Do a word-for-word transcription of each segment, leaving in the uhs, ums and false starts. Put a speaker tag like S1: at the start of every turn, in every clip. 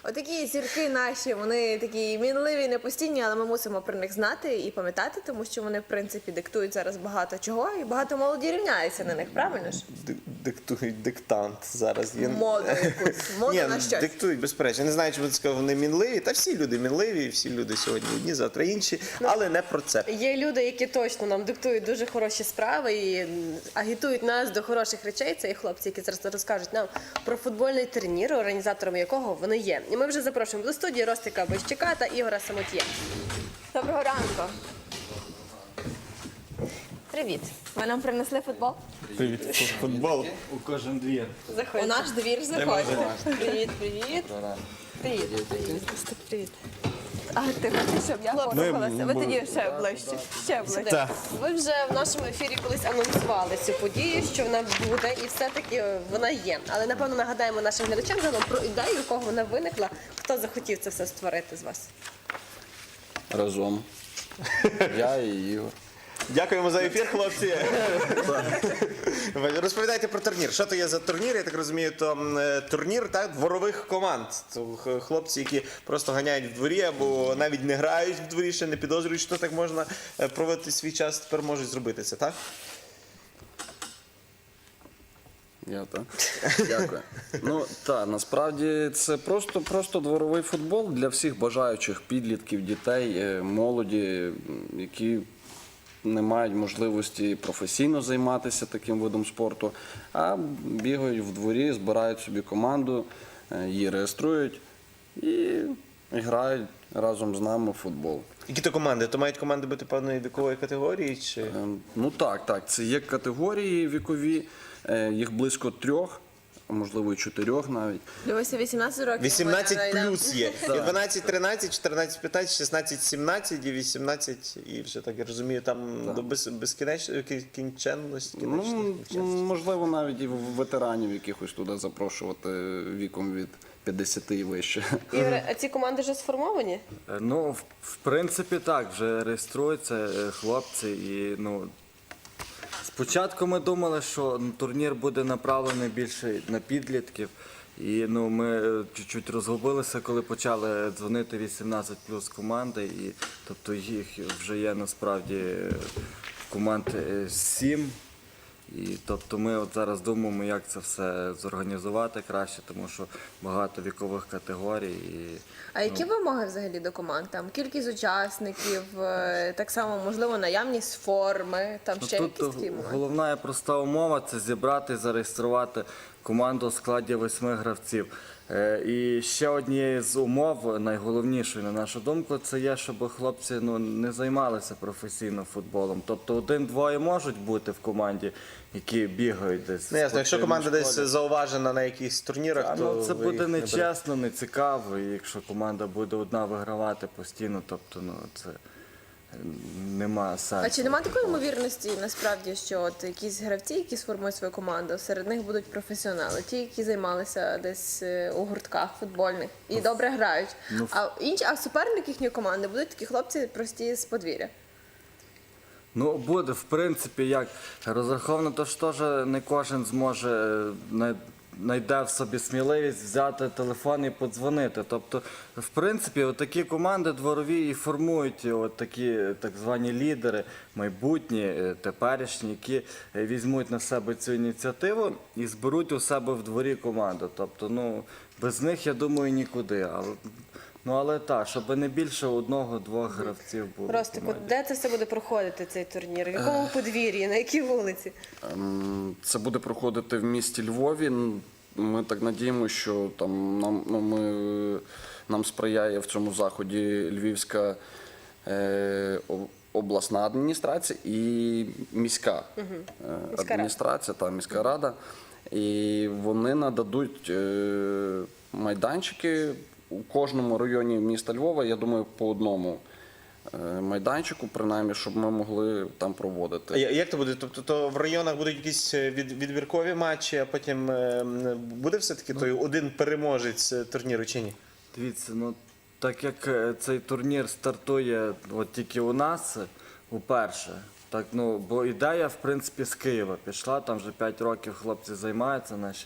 S1: Отакі зірки наші, вони такі мінливі, непостійні, але ми мусимо про них знати і пам'ятати, тому що вони, в принципі, диктують зараз багато чого, і багато молоді рівняється на них, правильно ж?
S2: Диктують диктант зараз. Є...
S1: Моду якусь, моду
S2: Ні,
S1: на щось.
S2: диктують, безперечно. Не знаю, чому ти сказав, вони мінливі. Та всі люди мінливі, всі люди сьогодні одні, завтра інші, але не про це.
S3: Є люди, які точно нам диктують дуже хороші справи і агітують нас до хороших речей. Це і хлопці, які зараз розкажуть нам про футбольний турнір, організатором якого вони є. І ми вже запрошуємо до студії Ростика Бойщика та Ігора Самот'є.
S1: Доброго ранку. Привіт. Ви нам принесли футбол?
S2: Привіт, футбол.
S4: У кожен двір.
S1: У наш двір заходьте. Привіт, привіт. Привіт. Привіт. А ти хочеш, щоб я порухалася? Ви тоді ще ближче. Ще ближче.
S3: Ви вже в нашому ефірі колись анонсували цю подію, що вона буде, і все-таки вона є. Але, напевно, нагадаємо нашим глядачам загалом про ідею, у кого вона виникла, хто захотів це все створити з вас.
S5: Разом. Я і Ігор.
S2: Дякуємо за ефір, хлопці. Розповідайте про турнір. Що то є за турнір? Я так розумію, то е, турнір так, дворових команд. То х- хлопці, які просто ганяють в дворі або навіть не грають в дворі, ще не підозрюють, що так можна е, проводити свій час, тепер можуть зробити це, так?
S5: Я так. Дякую. Ну так, насправді це просто, просто дворовий футбол для всіх бажаючих підлітків, дітей, е, молоді, м, які не мають можливості професійно займатися таким видом спорту, а бігають в дворі, збирають собі команду, е, її реєструють і грають разом з нами в футбол.
S2: Які то команди? То мають команди бути певної вікової категорії? Чи...
S5: Е, Ну так, так, це є категорії вікові, е, їх близько трьох, а можливо і чотирьох навіть.
S1: Дивися, вісімнадцять років.
S2: вісімнадцять
S1: Ми
S2: плюс є. І дванадцять тринадцять, чотирнадцять п'ятнадцять, шістнадцять сімнадцять і вісімнадцять, і вже так я розумію, там до без, безкінечності, кінченності.
S5: Ну, можливо, навіть і ветеранів якихось туди запрошувати віком від п'ятдесяти і вище.
S3: Ігоре, а ці команди вже сформовані?
S4: Е, Ну, в, в принципі, так, вже реєструються е, хлопці і, ну, спочатку ми думали, що ну, турнір буде направлений більше на підлітків. І ну, ми е, чуть-чуть розгубилися, коли почали дзвонити вісімнадцять плюс команди. І, тобто їх вже є насправді е, команд е, сім. І тобто ми от зараз думаємо, як це все зорганізувати краще, тому що багато вікових категорій. І,
S1: А які вимоги взагалі до команд? Там кількість учасників, е, так само, можливо, наявність форми, там
S4: ну,
S1: ще
S4: тут
S1: якісь такі моменти?
S4: головна і проста умова – це зібрати, зареєструвати команду у складі восьми гравців. Е, І ще однією з умов, найголовнішою, на нашу думку, це є, щоб хлопці ну, не займалися професійно футболом. Тобто один-двоє можуть бути в команді, які бігають десь.
S2: Ну, ясно, якщо
S4: в
S2: команда
S4: спортивній
S2: десь
S4: школі.
S2: зауважена на якихось турнірах,
S4: Та,
S2: то
S4: ну, це
S2: ви
S4: буде
S2: їх не берете.
S4: нечесно, не цікаво, і якщо команда буде одна вигравати постійно, тобто ну, це е, нема сенсу.
S1: А чи немає такої ймовірності, насправді, що от якісь гравці, які сформують свою команду, серед них будуть професіонали, ті, які займалися десь е, у гуртках футбольних і добре грають.
S4: ну,
S1: А інші, а суперник їхньої команди будуть такі хлопці прості з подвір'я.
S4: Ну, буде, в принципі, як розраховано, то ж теж не кожен зможе е, най- знайде в собі сміливість взяти телефон і подзвонити. Тобто, в принципі, от такі команди дворові і формують от такі так звані лідери, майбутні, е, теперішні, які е, візьмуть на себе цю ініціативу і зберуть у себе в дворі команду. Тобто, ну, без них, я думаю, нікуди. Але, ну, але так, щоб не більше одного-двох гравців було. в
S3: Ростику,
S4: команді.
S3: де це все буде проходити, цей турнір? В якому подвір'ї, на якій вулиці?
S5: Ем, Це буде проходити в місті Львові. Н- Ми так надіємося, що там нам, ну, ми, нам сприяє в цьому заході Львівська е, о- обласна адміністрація і міська е,
S3: Міська
S5: адміністрація та міська рада. І вони нададуть е, майданчики у кожному районі міста Львова, я думаю, по одному е, майданчику, принаймні, щоб ми могли там проводити.
S2: А я- як то буде? Тобто то в районах будуть якісь е, від, відбіркові матчі, а потім е, м, буде все-таки той один переможець е, турніру чи ні?
S4: Дивіться, ну так як е, цей турнір стартує от тільки у нас е, уперше, так, ну, бо ідея, в принципі, з Києва пішла, там вже п'ять років хлопці займаються наші.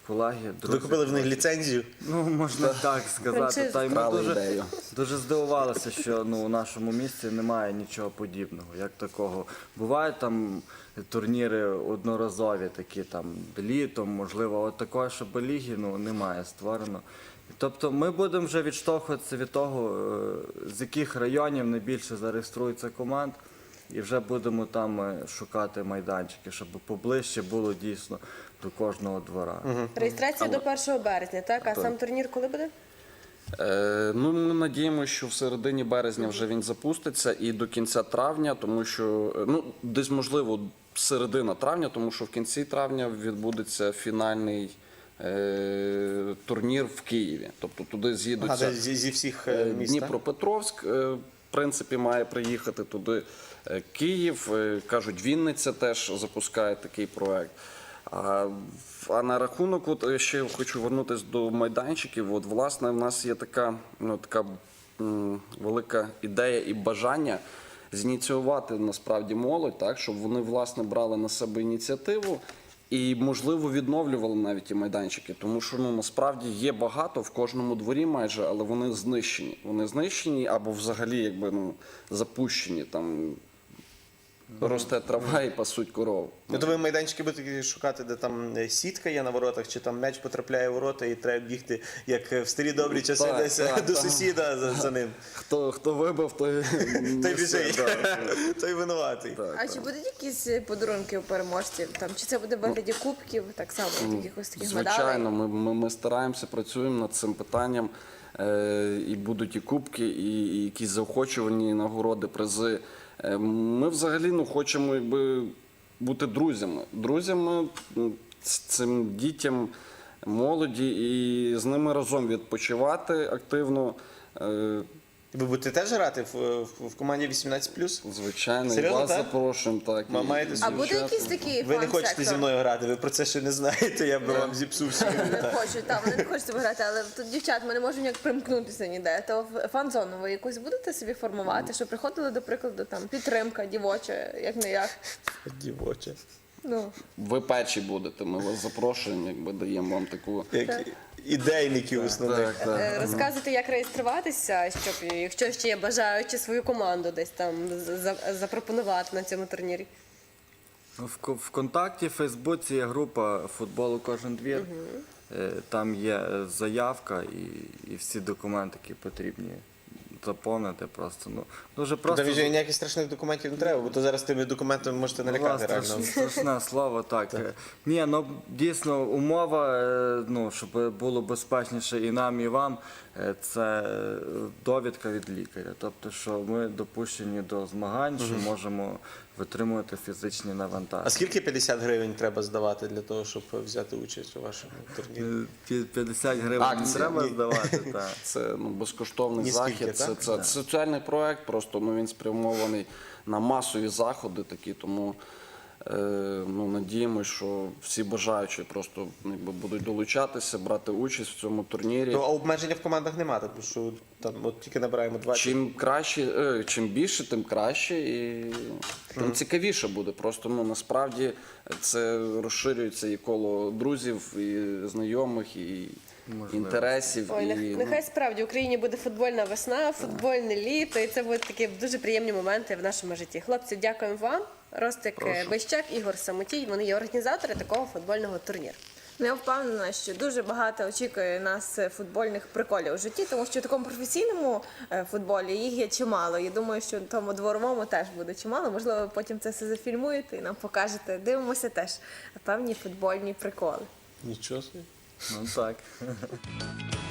S4: колеги,
S2: Ви
S4: друзі.
S2: купили в них ліцензію.
S4: Ну, можна так сказати.
S3: Франшизу.
S4: Та й ми
S5: Вкрали
S4: дуже,
S5: ідею.
S4: дуже здивувалися, що ну, у нашому місті немає нічого подібного, як такого. Бувають там турніри одноразові, такі там літом, можливо, от такої, щоб ліги ну, немає створено. Тобто ми будемо вже відштовхуватися від того, е, з яких районів найбільше зареєструється команд, і вже будемо там е, шукати майданчики, щоб поближче було дійсно до кожного двора.
S3: Реєстрація до першого березня, так? А сам турнір коли буде?
S5: Е, ну, ми надіємося, що в середині березня вже він запуститься і до кінця травня, тому що, е, ну, десь, можливо, середина травня, тому що в кінці травня відбудеться фінальний е, турнір в Києві. Тобто туди
S2: Ага,
S5: з'їдуться
S2: зі, зі всіх е,
S5: е,
S2: міст. так?
S5: Дніпропетровськ, е, в принципі, має приїхати туди е, Київ. Е, Кажуть, Вінниця теж запускає такий проект. А, а на рахунок, от е, ще хочу вернутися до майданчиків. От, власне, в нас є така, ну, така м, велика ідея і бажання зініціювати насправді молодь, так, щоб вони власне брали на себе ініціативу і, можливо, відновлювали навіть ті майданчики. Тому що ну, насправді є багато в кожному дворі майже, але вони знищені. Вони знищені або взагалі якби, ну, запущені. Там росте трава і пасуть коров.
S2: Ну, то ви майданчики будете шукати, де там е, сітка є на воротах, чи там м'яч потрапляє в ворота і треба бігти, як в старі добрі часи,
S5: Так,
S2: десь
S5: так,
S2: до
S5: так.
S2: сусіда за, за ним.
S5: Хто, хто вибив, той,
S2: Той
S5: несе,
S2: біжить,
S5: да.
S2: той винуватий.
S5: Так,
S1: А
S5: так.
S1: чи будуть якісь подарунки у переможців? Там чи це буде в вигляді кубків, так само от якихось таких медалей?
S5: Звичайно, ми, ми, ми стараємося, працюємо над цим питанням. Е, і будуть і кубки, і, і якісь заохочувальні нагороди, призи. Е, ми взагалі ну, хочемо якби, бути друзями. Друзями м, з цим дітям, молоді, і з ними разом відпочивати активно. Е,
S2: Ви будете теж грати в, в, в команді вісімнадцять плюс?
S5: звичайно, і
S2: Серйозно,
S5: вас
S2: так?
S5: запрошуємо. Так,
S2: Ма-
S5: і-
S2: маєте
S5: і
S1: А буде
S5: дівчат.
S1: якийсь такий
S2: Ви не хочете
S1: фан-сектор?
S2: зі мною грати, ви про це ще не знаєте, я би вам зіпсув всю
S1: Не хочуть, так, вони не хочуть себе грати, але тут дівчат, ми не можемо ніяк примкнутися ніде. То в фан-зону ви якусь будете собі формувати, щоб приходили, до прикладу, там підтримка дівоча, як не як.
S2: дівоче.
S1: Ну,
S5: Ви перші будете, ми вас запрошуємо, якби даємо вам таку.
S2: Як ідейників основних.
S5: Так, так.
S3: Е, Розказуйте, як реєструватися, щоб, якщо ще є бажаючі свою команду десь там з- за- запропонувати на цьому турнірі.
S4: Ну, В, ко- ВКонтакті, в Фейсбуці є група футболу кожен двір. Е, Там є е, заявка і, і всі документи, які потрібні заповнити просто. Ну, дуже просто.
S2: Та вже ніяких страшних документів не треба, бо то зараз тими документами можете налякати
S4: Власне,
S2: реально.
S4: страшне слово, так. Ні, ну дійсно умова, е, ну, щоб було безпечніше і нам, і вам, е, це е, довідка від лікаря. Тобто, що ми допущені до змагань, що можемо витримувати фізичні
S2: А
S4: навантаження.
S2: скільки п'ятдесят гривень треба здавати для того, щоб взяти участь у вашому турнірі?
S4: Е, пі- п'ятдесят гривень не
S5: Акції.
S4: треба
S2: Ні.
S4: здавати. Так.
S5: Це ну, безкоштовний
S2: Ніскільки,
S5: захід. Це,
S2: так?
S5: це соціальний проект, просто ну, він спрямований на масові заходи такі, тому е, ну, надіємося, що всі бажаючі просто ну, якби, будуть долучатися, брати участь в цьому турнірі.
S2: То а обмеження в командах немає, тому що там от тільки набираємо двадцять.
S5: Чим краще, е, чим більше, тим краще і тим цікавіше буде. Просто ну насправді це розширюється і коло друзів, і знайомих, і інтересів.
S3: Ой,
S5: і,
S3: нех-
S5: ну,
S3: нехай справді в Україні буде футбольна весна, футбольне літо, і це будуть такі дуже приємні моменти в нашому житті. Хлопці, дякуємо вам. Ростик Бищак, Ігор Самотій. Вони є організатори такого футбольного турніру.
S1: Ну, я впевнена, що дуже багато очікує нас е, футбольних приколів у житті, тому що в такому професійному е, футболі їх є чимало. І думаю, що в тому дворовому теж буде чимало. Можливо, ви потім це все зафільмуєте і нам покажете. Дивимося теж певні футбольні приколи.
S2: Нічого собі.
S4: Ну так.